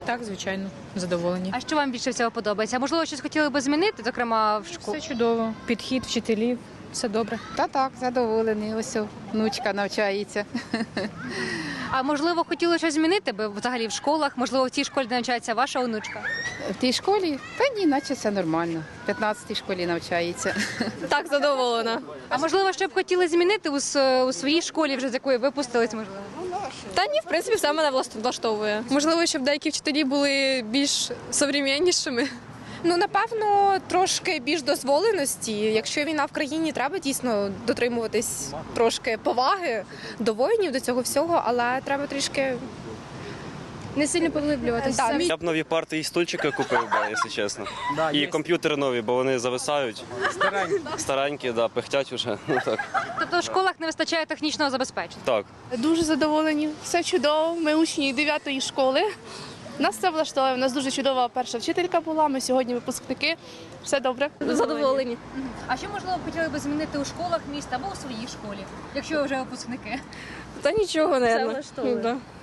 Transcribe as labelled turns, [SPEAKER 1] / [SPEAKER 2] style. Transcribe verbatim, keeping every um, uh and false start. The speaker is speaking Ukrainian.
[SPEAKER 1] Так, звичайно, задоволені.
[SPEAKER 2] А що вам більше всього подобається? Можливо, щось хотіли би змінити, зокрема в школі?
[SPEAKER 1] Все чудово. Підхід вчителів, все добре.
[SPEAKER 3] Та так, задоволений. Ось о, внучка навчається.
[SPEAKER 2] А можливо, хотіли щось змінити би взагалі в школах? Можливо, в тій школі, де навчається ваша онучка?
[SPEAKER 3] В тій школі? Та ні, наче все нормально. В п'ятнадцятій школі навчається.
[SPEAKER 4] Так, задоволена.
[SPEAKER 2] А можливо, що б хотіли змінити у, с- у своїй школі, вже з якої випустились, можливо?
[SPEAKER 4] Та ні, в принципі, все мене власт- влаштовує. Можливо, щоб деякі вчителі були більш современнішими.
[SPEAKER 5] Ну, напевно, трошки більш дозволеності. Якщо війна в країні, треба дійсно дотримуватись трошки поваги до воїнів, до цього всього, але треба трішки
[SPEAKER 4] Не сильно поглиблюватися.
[SPEAKER 5] Так.
[SPEAKER 6] Я б нові парти і стульчики купив, би, якщо чесно. І комп'ютери нові, бо вони зависають. Старенькі. Старенькі, да, пихтять уже. Ну, так.
[SPEAKER 2] Тобто в школах не вистачає технічного забезпечення?
[SPEAKER 6] так.
[SPEAKER 7] Дуже задоволені, все чудово. Ми учні дев'ятої школи. Нас це влаштовує. У нас дуже чудова перша вчителька була. Ми сьогодні випускники. Все добре.
[SPEAKER 4] Задоволені.
[SPEAKER 2] А що, можливо, хотіли би змінити у школах міста або у своїй школі, якщо ви вже випускники?
[SPEAKER 4] Та нічого, не
[SPEAKER 7] влаштовує.